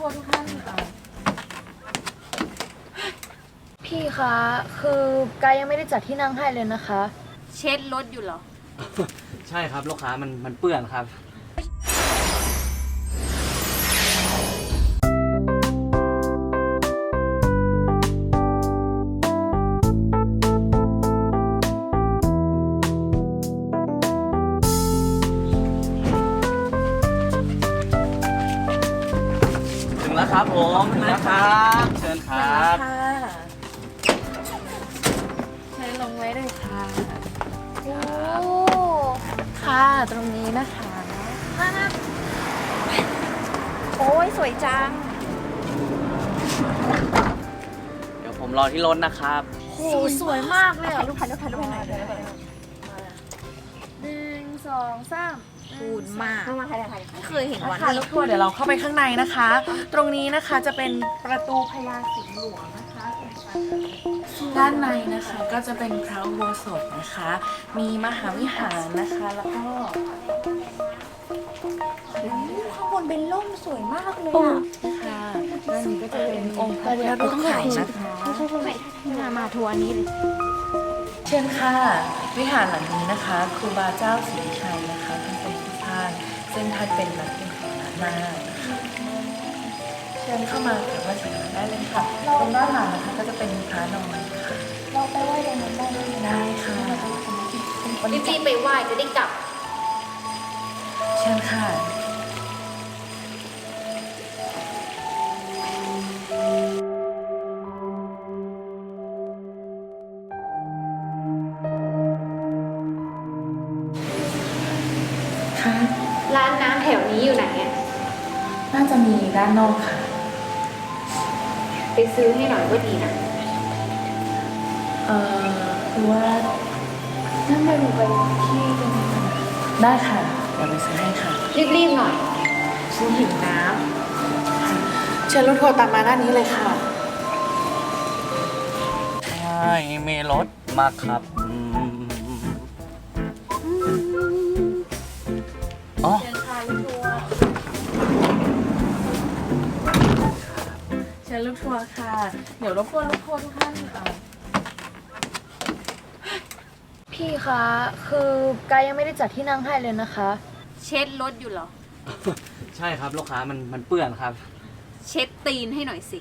ทุกท่านพี่คะคือไกยังไม่ได้จัดที่นั่งให้เลยนะคะเช็ดรถอยู่เหรอใช่ครับลูกค้ามันเปื้อนครับถึงแล้วครับผมถึงแล้วครับเชิญครับเชิญลงไว้เลยค่ะโอ้ค่ะตรงนี้นะคะโอ้ยสวยจังเดี๋ยวผมรอที่รถนะครับโอ้สวยมากเลยอ่ะลูกค้าลูกค้าลูกค้าไหนเลย1 2 3 พูดมากไม่เคยเห็นวันค่ะนี้รถทัวร์เดี๋ยวเราเข้าไปข้างในนะคะ ตรงนี้นะคะจะเป็นประตูพญาสิงห์หลวงนะคะด้านในนะคะก็จะเป็นพระอุโบสถนะคะ มีมหาวิหารนะคะแล้วก็ข้างบนเป็นร่มสวยมากเลยค่ะด้านนี้ก็จะเป็นองค์พระพุทธรูปนะคะมาทัวร์นี้เลยเชิญค่ะวิหารหลังนี้นะคะครูบาเจ้าศรีวิชัยนะคะท่านเป็นผู้สร้างซึ่งท่านเป็นนักเป็นของล้านนานะคะเชิญเข้ามากราบไหว้สักการะได้เลยค่ะตรงด้านหลังนะคะก็จะเป็นพระนอนค่ะเราไปไหว้ตรงนั้นได้ไหมได้ค่ะรีบๆไปไหว้จะได้กลับเชิญค่ะค่ะร้านน้ำแถวนี้อยู่ไหนอ่ะน่าจะมีด้านนอกค่ะไปซื้อให้หน่อยก็ดีนะคือว่านั่นไปดูไปที่ตรงนี้ก่อนนะได้ค่ะเดี๋ยวไปซื้อให้ค่ะรีบๆหน่อยฉันหิวน้เชิญรถทัวร์ตามมาด้านนี้เลยค่ะใช่มีรถมาครับอ๋อเชิญค่ะรถทัวร์เชิญรถทัวร์ค่ะ เดี๋ยวรบกวนรถทัวร์ทุกท่านพี่คะคือไกยังไม่ได้จัดที่นั่งให้เลยนะคะำเช็ดรถอยู่เหรอใช่ครับลูกค้ามันเปื้อนครับเช็ดตีนให้หน่อยสิ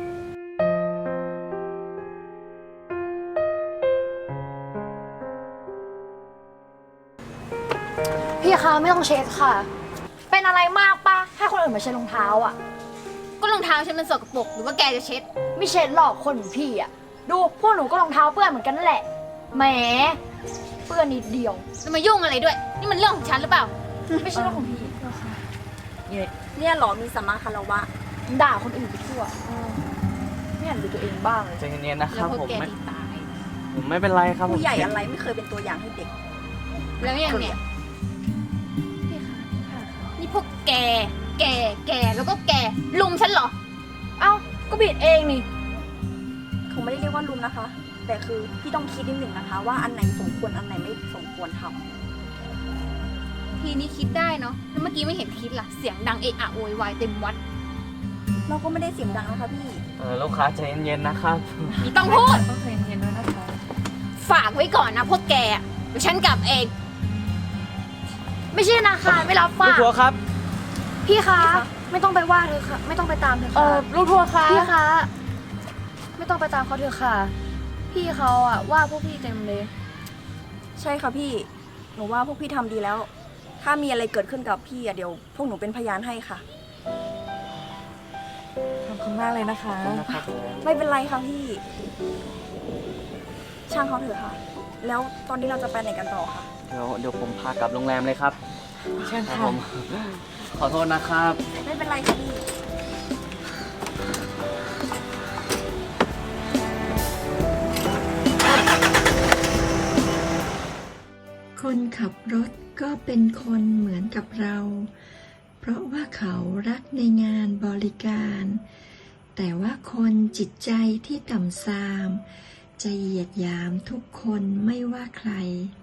พี่คะไม่ต้องเช็ดค่ะ เป็นอะไรมากปะให้คนอื่นมาเช็ดรองเท้าอ่ะก็รองเท้าฉันมันสกปรกหรือว่าแกจะเช็ดไม่เช็ดหรอกคนเหมือนพี่อ่ะ ดูพวกหนูก็รองเท้าเปื้อนเหมือนกันนั่นแหละ แหม เปื้อนนิดเดียวจะมายุ่งอะไรด้วย นี่มันเรื่องของฉันหรือเปล่าไม่ใช่เรื่องของพี่เนี่ยเหรอมีสัมมาคารวะด่าคนอื่นไปทั่วไม่อยากดูตัวเองบ้างเลยใจเย็นๆนะคแล้รัวบพวกผมแกไม่ที่ตายผมไม่เป็นไรครับผมผู้ใหญ่อะไรไม่เคยเป็นตัวอย่างให้เด็กแล้วอย่างเนี้ยนี่พวกแกแล้วก็แกลุมฉันเหรอเอ้าก็บิดเองนี่คงไม่ได้เรียกว่ารุมนะคะ แต่คือพี่ต้องคิดนิดหนึ่งนะคะ ว่าอันไหนสมควรอันไหนไม่สมควรทำทีนี้คิดได้เนาะแล้วเมื่อกี้ไม่เห็นคิดล่ะ เสียงดังเอะอะโวยวายเต็มวัดเราก็ไม่ได้เสียงดังนะคะพี่ลูกค้าใจเย็นๆนะครับนี่ต้องพูดต้องใจเย็นๆด้วยนะคะฝากไว้ก่อนนะพวกแกอะเดี๋ยวฉันกลับเองไม่ใช่ธนาคารไม่รับฝากลูกทัวร์ครับพี่คะไม่ต้องไปว่าเธอค่ะ ไม่ต้องไปตามเธอค่ะลูกทัวร์คะพี่คะไม่ต้องไปตามเขาเถอะค่ะ พี่เขาอะว่าพวกพี่เต็มเลยใช่ค่ะพี่ หนูว่าพวกพี่ทำดีแล้ว ถ้ามีอะไรเกิดขึ้นกับพี่อะเดี๋ยวพวกหนูเป็นพยานให้ค่ะขอบคุณมากเลยนะคะไม่เป็นไรค่ะพี่ ช่างเขาเถอะค่ะ แล้วตอนนี้เราจะไปไหนกันต่อคะเดี๋ยวผมพากลับโรงแรมเลยครับเชิญครับค่ะผม ขอโทษนะครับไม่เป็นไรค่ะพี่คนขับรถก็เป็นคนเหมือนกับเรา เพราะว่าเขารักในงานบริการ แต่ว่าคนจิตใจที่ต่ำทราม จะเหยียดหยามทุกคนไม่ว่าใคร